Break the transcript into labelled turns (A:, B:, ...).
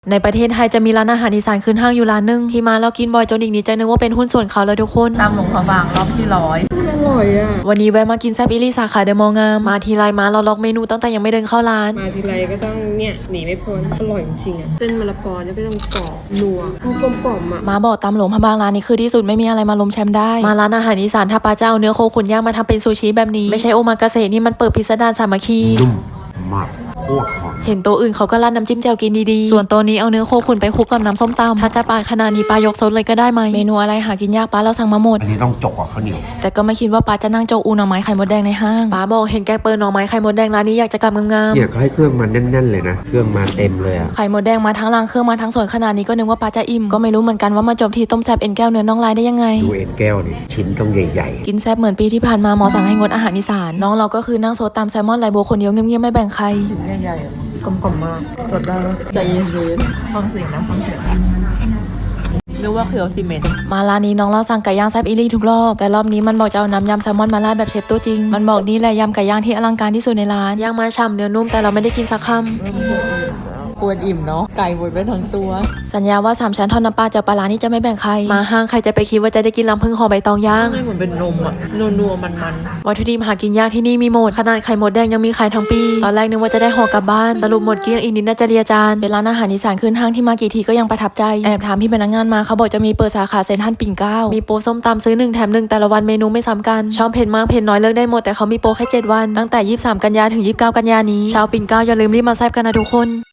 A: ในประเทศไทยจะมีร้านอาหารอีสานขึ้นห้างอยู่ร้านนึงที่มาแล้วกินบ่อยจนอีกนิดใจนึกว่าเป็นหุ้นส่วนเขาแล้วทุกคน
B: ตามหลวงพระบางรอบที่100
C: อร่อยอ่ะ
A: วันนี้แวะมากินแซ่บอิลี่สาขาเดอะมอลล์งามมาทีไรมาเราล็อกเมนูตั้งแต่ยังไม่เดินเข้าร้าน
C: มาทีไรก็ต้องเนี่ยหนีไม่พ้นอร่อยจริงๆอ่ะเส้นมะละกอเนี่ยก็ต้องกรอบนัวกลมกล่อมอ่ะ
A: มาบอกตามหลวงพระบางร้านนี้คือที่สุดไม่มีอะไรมาล้มแชมป์ได้มาร้านอาหารอีสานถ้าปลาเจ้าเนื้อโคขุนย่างมาทำเป็นซูชิแบบนี้ไม่ใช่โอมากาเสะนี่มันเปิดพิสดารสามัคคี
D: นุ่มมากโคตรหอม
A: เห็นโต๊ะอื่นเขาก็ราดน้ำจิ้มแจ่วกินดีๆส่วนโต๊ะนี้เอาเนื้อโคขุนไปคลุกกับน้ำส้มตำถ้าจะปาดขนาดนี้ปายกซดเลยก็ได้ไหมเมนูอะไรหากินยากป้าเราสั่งมาหมด
D: อันนี้ต้องจกกับข้าวเหนียว
A: แต่ก็ไม่คิดว่าป้าจะนั่งโจกอูหน่อไม้ไข่มดแดงในห้างป้าบอกเห็นแกงเปิดหน่อไม้ไข่มดแดงร้านนี้อยากจะกำงาม
D: เนี่ยเขาให้เครื่องมันแน่นๆเลยนะเครื่องมาเต็มเลยอะ
A: ไข่มดแดงมาทั้งรางเครื่องมาทั้งส่วนขนาดนี้ก็นึกว่าป้าจะอิ่มก็ไม่รู้เหมือนกันว่ามาจบที่ต้มแซ่บเอ็นแก้วเนื้อน่องลายได้ยังไง
D: ดูเอ็นแก้วนี่ชิ้นต้องใหญ่
A: กินแซ่บเหมือนปีที่ผ่านมาหมอสั่งให้งดอาหารอีสานน้องเราก็คือนั่งโซดตามแซลมอนไลโบคนเดียวเงียบๆไม่แบ่งใคร
C: ใหญ่ๆกลมๆมากสดได้แล้ว
B: ใจเย็นๆฟังเสียงนะฟังเสียงนึกว่าเคียวซีเมนต์
A: มาร้านนี้น้องเราสั่งไก่ย่างแซ่บอิลี่ทุกรอบแต่รอบนี้มันบอกจะเอาน้ำยำแซลมอนมาราดแบบเชฟตัวจริงมันบอกนี่แหละยำไก่ย่างที่อลังการที่สุดในร้านย่างมาฉ่ำเนื้อนุ่มแต่เราไม่ได้กินสักคำ
B: ควรอิ่มเนาะไก่หมดไปทั้งตัว
A: สัญญาว่า3ชั้นทอดน้ำปลาเจ้าปลาร้านี่จะไม่แบ่งใครมาห้างใครจะไปคิดว่าจะได้กินลำพึ่งห่อใบตองย่าง
B: ไม่เหมือนเป็นนมอ่ะนัวๆมัน
A: วัตถุดิบหากินยากที่นี่มีหมดขนาดไข่มดแดงยังมีขายทั้งปีตอนแรกนึกว่าจะได้ห่อกลับบ้านสรุปหมดเกลี้ยงอีกนิดน่าจะเลียจานเป็นร้านอาหารอีสานขึ้นห้างที่มากี่ทีก็ยังประทับใจแอบถามพี่พนักงานมาเขาบอกจะมีเปิดสาขาเซ็นทรัลปิ่นเกล้ามีโปรส้มตำซื้อ1แถม1แต่ละวันเมนูไม่ซ้ำกันชอบเผ็ดมากเผ็ดน้อยเลือกได้หมดแต่เขามีโปรแค่7วันตั้งแต่23กันยาถึง29กันยานี้ชาวปิ่นเกล้าอย่าลืมรีบมาแซ่บกันนะทุกคน